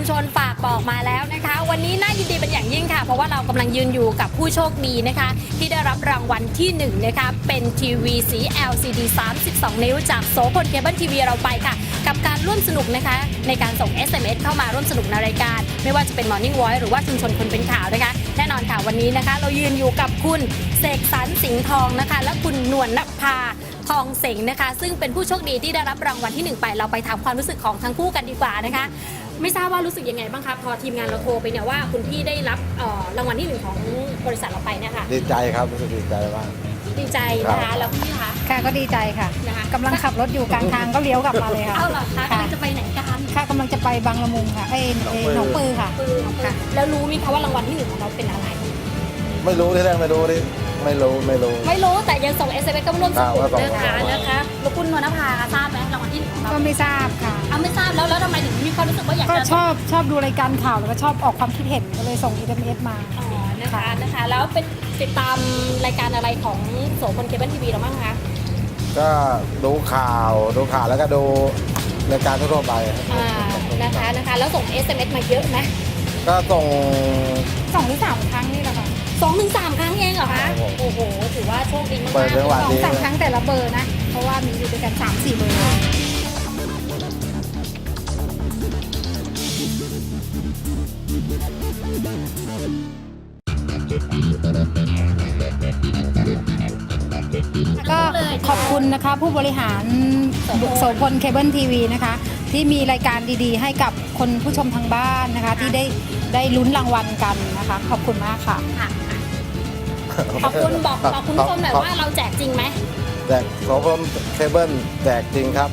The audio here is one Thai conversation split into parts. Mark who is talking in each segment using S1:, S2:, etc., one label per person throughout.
S1: ชนฝากบอกมาแล้วนะคะวันนี้น่ายินดีเป็นอย่างยิ่งค่ะเพราะว่าเรากำลังยืนอยู่กับผู้โชคดีนะคะที่ได้รับรางวัลที่1นะคะเป็นทีวีสี LCD 32 นิ้วจากโสพลเคเบิลทีวีเราไปค่ะกับการร่วมสนุกนะคะในการส่ง SMS เข้ามาร่วมสนุกในรายการไม่ว่าจะเป็น Morning Voice หรือว่าชุมชนคนเป็นข่าวนะคะแน่นอนค่ะวันนี้นะคะเรายืนอยู่กับคุณเสกสรรสิงห์ทองนะคะและคุณนวลนภาทองเสงนะคะซึ่งเป็นผู้โชคดีที่ได้รับรางวัลที่1ไปเราไปถามความรู้สึกของทั้งคู่กันดีกว่านะคะไม่ทราบว่ารู้สึกยังไงบ้างคะพอทีมงานเราโทรไปเนี่ยว่าคุณพี่ได้รับรางวัลที่1ของบริษัทเราไปเนี่ยค่ะ
S2: ดีใจครับรู้สึกดีใจมาก
S1: ดีใจนะคะแล้วพี่คะ
S3: ค่ะก็ดีใจค่ะ
S1: นะคะ
S3: กำลังขับรถอยู่กลางทางก็เลี้ยวกลับมาเลยค่ะ
S1: เอาเหรอคะกำลังจะไปไหนกัน
S3: ค่ะกำลังจะไปบางละมุงค่ะหนองปือค่ะ
S1: แล้วรู้ไหมคะว่ารางวัลที่1ของเราเป็นอะไร
S2: ไม่รู้ที่แรกไม่รู้
S1: แต่ยังส่ง SMS ก็ร่วมสนุกนะคะแล้วคุณนวลนภาทราบไหมรางวัลที่1ของเรา
S3: ก็ไม่ทราบค่ะ
S1: ไม่ทราบแล้วทำไมถึงมีความรู้สึกว่าอยากจะ
S3: ก็ชอบดูรายการข่าวแล้วก็ชอบออกความคิดเห็นก็เลยส่ง SMS มา
S1: นะคะแล้วเป็นติดตามรายการอะไรของโสพลเคเบิลทีวีเราบ้างคะ
S2: ก็ดูข่าวแล้วก็ดูรายการทั่วไป
S1: นะคะแล้วส่ง SMS มาเยอะไหม
S2: ก็ส่ง
S3: 2 หรือ 3 ครั้งนี่แหละค่ะ
S1: 2 ถึง 3 ครั้งเองเหรอคะโอ้โหถือว่าโชคดีมาก
S3: ๆ2-3 ครั้งแต่ละเบอร์นะเพราะว่ามีอยู่ด้วยกัน 3-4 เบอร์ก็ขอบคุณนะคะผู้บริหารโสพลเคเบิลทีวีนะคะที่มีรายการดีๆให้กับคนผู้ชมทางบ้านนะคะที่ได้ลุ้นรางวัลกันนะคะขอบคุณมากค่ะ
S1: ขอบคุณบอกคุณผู้ชมหน่อยว่าเราแจกจริงไหม
S2: แจกโสพลเคเบิลแจกจริงครับ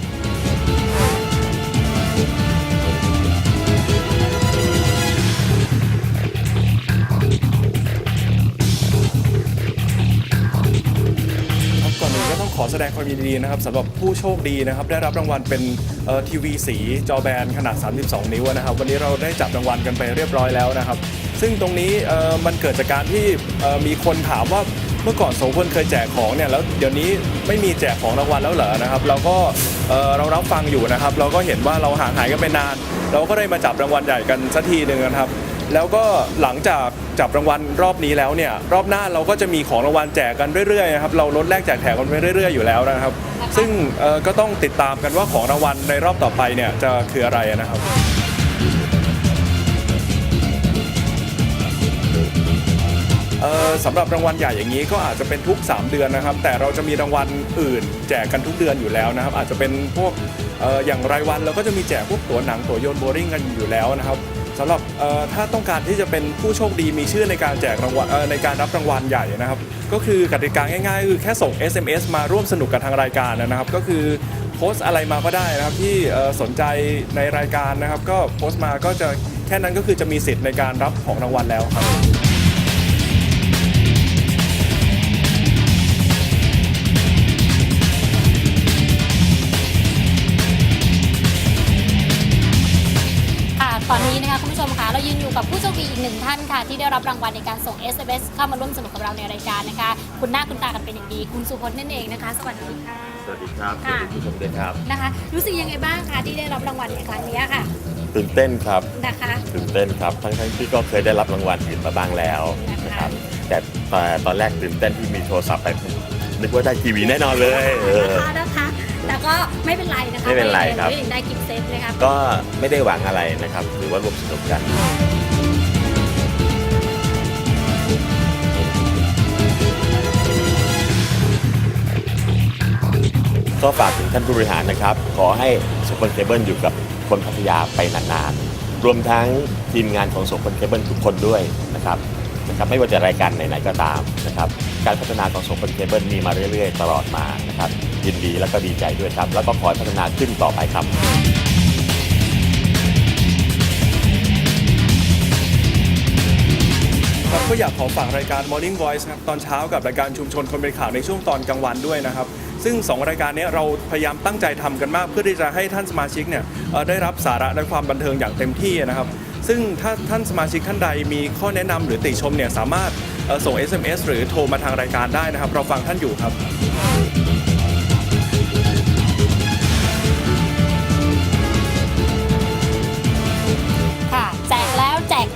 S4: ก่อนอื่นก็ต้องขอแสดงความยินดีนะครับสำหรับผู้โชคดีนะครับได้รับรางวัลเป็นทีวีสีจอแบนขนาด32 นิ้วนะครับวันนี้เราได้จับรางวัลกันไปเรียบร้อยแล้วนะครับซึ่งตรงนี้มันเกิดจากการที่มีคนถามว่าเมื่อก่อนโสพลเคยแจกของเนี่ยแล้วเดี๋ยวนี้ไม่มีแจกของรางวัลแล้วเหรอนะครับเราก็เรารับฟังอยู่นะครับเราก็เห็นว่าเราห่างหายกันไปนานเราก็ได้มาจับรางวัลใหญ่กันสักทีหนึ่งนะครับแล้วก็หลังจากจับรางวัลรอบนี้แล้วเนี่ยรอบหน้าเราก็จะมีของรางวัลแจกกันเรื่อยๆนะครับเราลดแลกแจกแถมกันไปเรื่อยๆอยู่แล้วนะครับซึ่งก็ต้องติดตามกันว่าของรางวัลในรอบต่อไปเนี่ยจะคืออะไรนะครับสำหรับรางวัลใหญ่อย่างนี้ก็อาจจะเป็นทุก3 เดือนนะครับแต่เราจะมีรางวัลอื่นแจกกันทุกเดือนอยู่แล้วนะครับอาจจะเป็นพวกอย่างรายวันเราก็จะมีแจกพวกตั๋วหนังตั๋วโยนโบว์ริ่งกันอยู่แล้วนะครับสำหรับถ้าต้องการที่จะเป็นผู้โชคดีมีชื่อในการแจกรางวัลในการรับรางวัลใหญ่นะครับก็คือกติกาง่ายๆคือแค่ส่ง SMS มาร่วมสนุกกับทางรายการนะครับก็คือโพสต์อะไรมาก็ได้นะครับที่สนใจในรายการนะครับก็โพสต์มาก็จะแค่นั้นก็คือจะมีสิทธิ์ในการรับของรางวัลแล้วครับ
S1: ตอนนี้นะคะคุณผู้ชมคะเรายืนอยู่กับผู้โชคดีอีก1 ท่านค่ะที่ได้รับรางวัลในการส่ง SMS เข้ามาร่วมสนุกกับเราในรายการนะคะคุณหน้าคุณตากันเป็นอย่างดีคุณสุพจน์นั่นเองนะคะสวัสดีค่ะ
S5: สวัสดีครับสวัสดีผู้ชมด้วยครับ
S1: นะคะรู้สึกยังไงบ้างคะที่ได้รับรางวัลในครั้งนี้ค่ะ
S5: ตื่นเต้นครับ
S1: นะคะ
S5: ตื่นเต้นครับทั้งที่ก็เคยได้รับรางวัลอื่นมาบ้างแล้วนะครับแต่ตอนแรกตื่นเต้นที่มีโทรศัพท์ไปนึกว่าได้ทีวีแน่นอนเลย
S1: นะคะแต่ก็ไม่เป็นไรนะคะ
S5: ไม่เป็นไรครับ
S1: ได้กิฟต์เซตนะคะ
S5: ก็ไม่ได้หวังอะไรนะครับหรือว่ารวมสนุกกันก็ฝากถึงท่านผู้บริหารนะครับขอให้โสพลเคเบิลอยู่กับคนพัทยาไปนานๆรวมทั้งทีมงานของโสพลเคเบิลทุกคนด้วยนะครับไม่ว่าจะรายการไหนๆก็ตามนะครับการพัฒนาของโสพลเคเบิลมีมาเรื่อยๆตลอดมานะครับยินดีและก็ดีใจด้วยครับแล้วก็ขอพัฒนาขึ้นต่อไปครับ
S4: ก็อยากขอฝากรายการ Morning Voice ครับตอนเช้ากับรายการชุมชนคนเป็นข่าวในช่วงตอนกลางวันด้วยนะครับซึ่ง2 รายการนี้เราพยายามตั้งใจทำกันมากเพื่อที่จะให้ท่านสมาชิกเนี่ยได้รับสาระและความบันเทิงอย่างเต็มที่นะครับซึ่งถ้าท่านสมาชิกท่านใดมีข้อแนะนำหรือติชมเนี่ยสามารถส่ง SMS หรือโทรมาทางรายการได้นะครับเราฟังท่านอยู่ครับ
S1: ค่ะ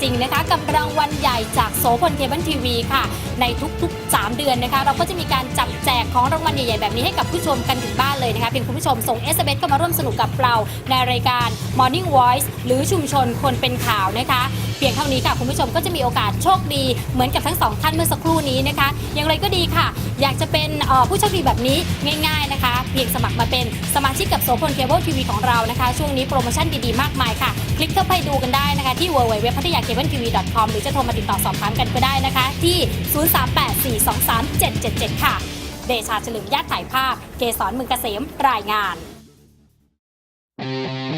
S1: ริงๆนะคะกับรางวัลใหญ่จากโสพลเคเบิลทีวีค่ะในทุกๆ3 เดือนนะคะเราก็จะมีการจับแจกของรางวัลใหญ่ๆแบบนี้ให้กับผู้ชมกันถึงบ้านเลยนะคะเพียงคุณผู้ชมส่ง SMS เข้ามาร่วมสนุกกับเราในรายการ Morning Voice หรือชุมชนคนเป็นข่าวนะคะเพียงเท่านี้ค่ะคุณผู้ชมก็จะมีโอกาสโชคดีเหมือนกับทั้ง2ท่านเมื่อสักครู่นี้นะคะอย่างไรก็ดีค่ะอยากจะเป็นผู้โชคดีแบบนี้ง่ายๆนะคะเพียงสมัครมาเป็นสมาชิกกับโสพลเคเบิลทีวีของเรานะคะช่วงนี้โปรโมชั่นดีๆมากมายค่ะคลิกเข้าไปดูกันได้นะคะที่ www.pattayakabletv.com หรือจะโทรมาติดต่อสอบถามกันก็ได้นะคะที่ 038-423-777 ค่ะเดชาเฉลิมญาติถ่ายภาพเกษรมึงเกษมรายงาน